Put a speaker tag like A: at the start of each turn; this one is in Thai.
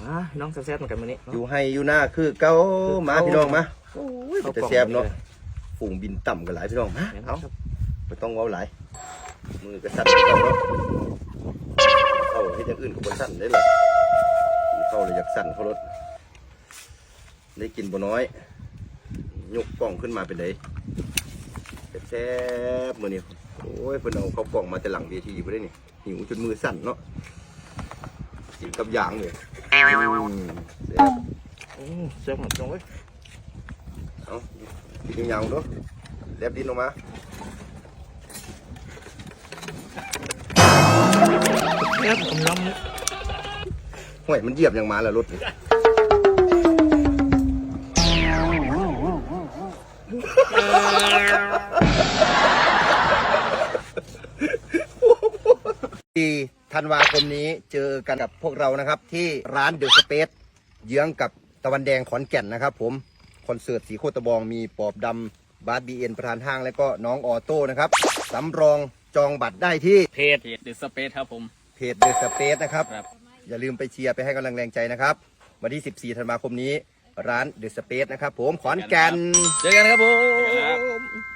A: น้องแซ่บๆเหมือนกันวันนี้
B: อยู่ให้อยู่หน้าคือเก้ามาพี่น้องมาโอ้ยจะแซ่บเนาะฝูงบินต่ำกันหลายพี่น้องมาเอาไม่ต้องเอาหลายมือกระสั่นเข้าให้อย่างอื่นกับบนสั่นได้เลยเข้าเลยอยากสั่นเขารถได้กินบ่น้อยยกกล่องขึ้นมาเป็นไงแซ่บมือนี่โอ้ยเพิ่นเอาเข้ากล่องมาแต่หลังเวทีไปได้นี่หิวจนมือสั่นเนาะกินกับยางเลย
A: แซ่บเหมือนกันเว้ย
B: เอากินยาวๆด้วยแลบดินออกมา
A: แซ่บผมน้ำเนี่ย
B: ห่วยมันเหยียบอย่างมาแล้วรถที่ธันวาคมนี้เจอกันกับพวกเรานะครับที่ร้านเดอะสเปซเยื้องกับตะวันแดงขอนแก่นนะครับผมคอนเสิร์ตสีโคตรบองมีปอบดำบาสบีเอ็นประธานห้างและก็น้องออโต้นะครับสำรองจองบัตรได้ที่
C: เพจเดอะสเปซครับผม
B: เพจเดอะสเปซนะครับอย่าลืมไปเชียร์ไปให้กำลังแรงใจนะครับวันที่14ธันวาคมนี้ร้านเดอะสเปซนะครับผมขอนแก่น
C: เจอกันครับผม